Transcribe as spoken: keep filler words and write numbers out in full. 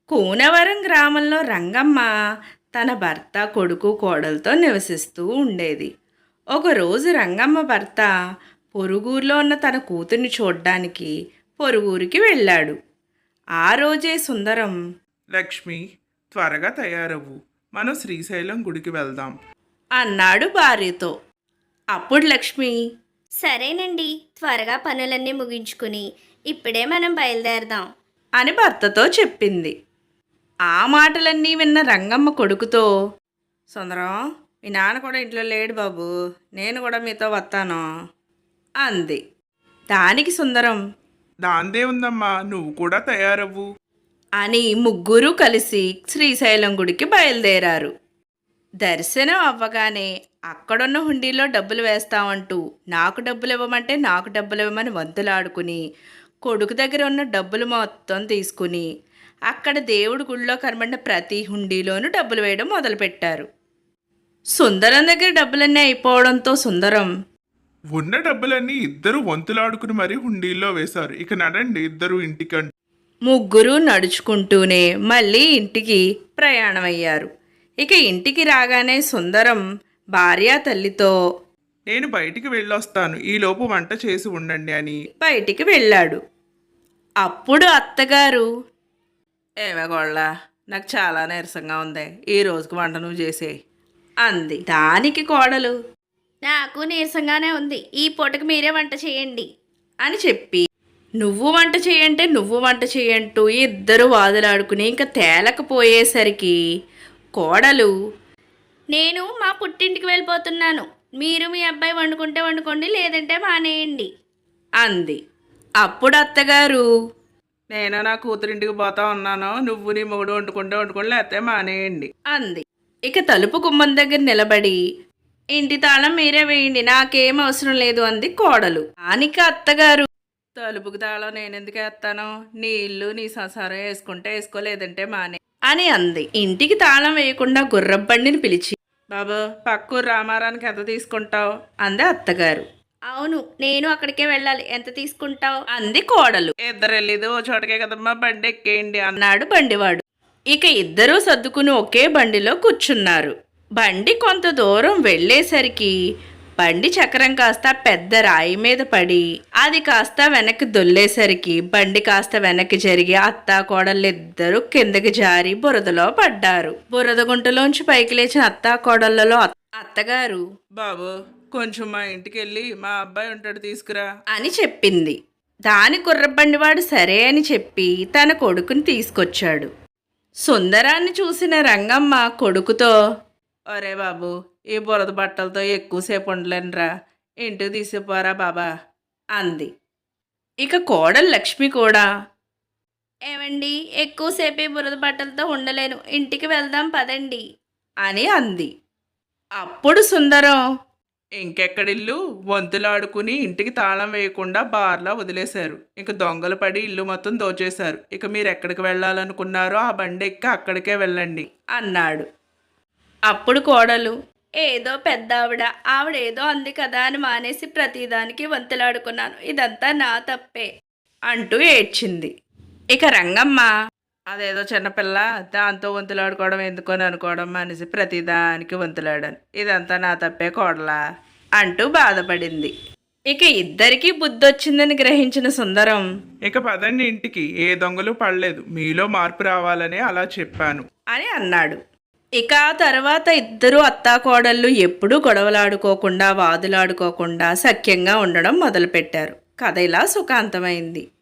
కూనవరం గ్రామంలో రంగమ్మ తన భర్త, కొడుకు, కోడలతో నివసిస్తూ ఉండేది. ఒకరోజు రంగమ్మ భర్త పొరుగురులో ఉన్న తన కూతుర్ని చూడ్డానికి పొరుగురికి వెళ్ళాడు. ఆ రోజే సుందరం లక్ష్మి, త్వరగా తయారవ్వు, మనం శ్రీశైలం గుడికి వెళ్దాం అన్నాడు భార్యతో. అప్పుడు లక్ష్మి సరేనండి, త్వరగా పనులన్నీ ముగించుకుని ఇప్పుడే మనం బయలుదేరదాం అని భర్తతో చెప్పింది. ఆ మాటలన్నీ విన్న రంగమ్మ కొడుకుతో, సుందరం, మీ నాన్న కూడా ఇంట్లో లేడు బాబు, నేను కూడా మీతో వస్తాను అంది. దానికి సుందరం దాందే ఉందమ్మా, నువ్వు కూడా తయారవ్వు అని ముగ్గురు కలిసి శ్రీశైలం గుడికి బయలుదేరారు. దర్శనం అవ్వగానే అక్కడున్న హుండీలో డబ్బులు వేస్తామంటూ నాకు డబ్బులు ఇవ్వమంటే నాకు డబ్బులు ఇవ్వమని వంతులాడుకుని కొడుకు దగ్గర ఉన్న డబ్బులు మొత్తం తీసుకుని అక్కడ దేవుడి గుళ్ళో కనబడిన ప్రతి హుండీలోనూ డబ్బులు వేయడం మొదలుపెట్టారు. సుందరం దగ్గర డబ్బులన్నీ అయిపోవడంతో సుందరం ఉన్న డబ్బులన్నీ ఇద్దరు వంతులాడుకుని మరీ హుండీల్లో వేశారు. ఇక నడండి ఇద్దరు ఇంటికంటే. ముగ్గురు నడుచుకుంటూనే మళ్ళీ ఇంటికి ప్రయాణమయ్యారు. ఇక ఇంటికి రాగానే సుందరం భార్య తల్లితో నేను బయటికి వెళ్ళొస్తాను, ఈలోపు వంట చేసి ఉండండి అని బయటికి వెళ్ళాడు. అప్పుడు అత్తగారు, ఏమే గోళ్ళ, నాకు చాలా నీరసంగా ఉంది, ఈ రోజుకి వంట నువ్వు చేసే అంది. దానికి కోడలు నాకు నీరసంగానే ఉంది, ఈ పూటకి మీరే వంట చేయండి అని చెప్పి నువ్వు వంట చేయంటే నువ్వు వంట చేయంటూ ఇద్దరు వాదులాడుకుని ఇంకా తేలకపోయేసరికి కోడలు నేను మా పుట్టింటికి వెళ్ళిపోతున్నాను, మీరు మీ అబ్బాయి వండుకుంటే వండుకోండి, లేదంటే మానేయండి అంది. అప్పుడు అత్తగారు, నేను నా కూతురింటికి పోతా ఉన్నాను, నువ్వు నీ మొగుడు వండుకుంటే వండుకోండి, లేకపోతే మానేయండి అంది. ఇక తలుపు గుమ్మం దగ్గర నిలబడి ఇంటి తాళం మీరే వేయండి, నాకేం అవసరం లేదు అంది కోడలు. దానికి అత్తగారు, తలుపుకి తాళం నేనెందుకు వేస్తాను, నీ ఇల్లు నీ సంసారం వేసుకుంటే వేసుకోలేదంటే మానే అని అంది. ఇంటికి తాళం వేయకుండా గుర్రబండిని పిలిచి, బాబు పక్కూరు రామారానికి ఎంత తీసుకుంటావు అంది అత్తగారు. అవును, నేను అక్కడికే వెళ్ళాలి, ఎంత తీసుకుంటావు అంది కోడలు. ఇద్దరు వెళ్ళేది ఓ చోటకే కదమ్మా, బండి ఎక్కేయండి అన్నాడు బండివాడు. ఇక ఇద్దరూ సర్దుకుని ఒకే బండిలో కూర్చున్నారు. బండి కొంత దూరం వెళ్ళేసరికి బండి చక్రం కాస్త పెద్ద రాయి మీద పడి అది కాస్త వెనక్కి దొల్లేసరికి బండి కాస్త వెనక్కి జరిగి అత్తా కోడళ్ళిద్దరూ కిందకి జారి బురదలో పడ్డారు. బురద గుంటలోంచి పైకి లేచిన అత్తా కోడళ్లలో అత్తగారు, బాబు కొంచెం మా ఇంటికి వెళ్ళి మా అబ్బాయి ఉంటాడు తీసుకురా అని చెప్పింది. దాని కుర్రబండివాడు సరే అని చెప్పి తన కొడుకుని తీసుకొచ్చాడు. సుందరాన్ని చూసిన రంగమ్మ కొడుకుతో, ఒరే బాబు, ఈ బురద బట్టలతో ఎక్కువసేపు ఉండలేనురా, ఇంటికి తీసిపోరా బాబా అంది. ఇక కోడలు లక్ష్మి కూడా, ఏమండి, ఎక్కువసేపు ఈ బురద బట్టలతో ఉండలేను, ఇంటికి వెళ్దాం పదండి అని అంది. అప్పుడు సుందరం, ఇంకెక్కడిల్లు, వంతులాడుకుని ఇంటికి తాళం వేయకుండా బార్లా వదిలేశారు. ఇక దొంగలు పడి ఇల్లు మొత్తం దోచేశారు. ఇక మీరు ఎక్కడికి వెళ్ళాలనుకున్నారో ఆ బండి ఎక్కి అక్కడికే వెళ్ళండి అన్నాడు. అప్పుడు కోడలు, ఏదో పెద్ద ఆవిడ ఆవిడేదో అంది కదా అని మానేసి ప్రతిదానికి వంతులాడుకున్నాను, ఇదంతా నా తప్పే అంటూ ఏడ్చింది. ఇక రంగమ్మ, అదేదో చిన్నపిల్ల, దాంతో వంతులాడుకోవడం ఎందుకొని అనుకోవడం మానేసి ప్రతిదానికి వంతులాడాను, ఇదంతా నా తప్పే కోడలా అంటూ బాధపడింది. ఇక ఇద్దరికీ బుద్ధొచ్చిందని గ్రహించిన సుందరం, ఇక పదండి ఇంటికి, ఏ దొంగలు పడలేదు, మీలో మార్పు రావాలని అలా చెప్పాను అని అన్నాడు. ఇక ఆ తర్వాత ఇద్దరు అత్తాకోడళ్ళు ఎప్పుడూ గొడవలాడుకోకుండా వాదులాడుకోకుండా సఖ్యంగా ఉండడం మొదలుపెట్టారు. కథ ఇలా సుఖాంతమైంది.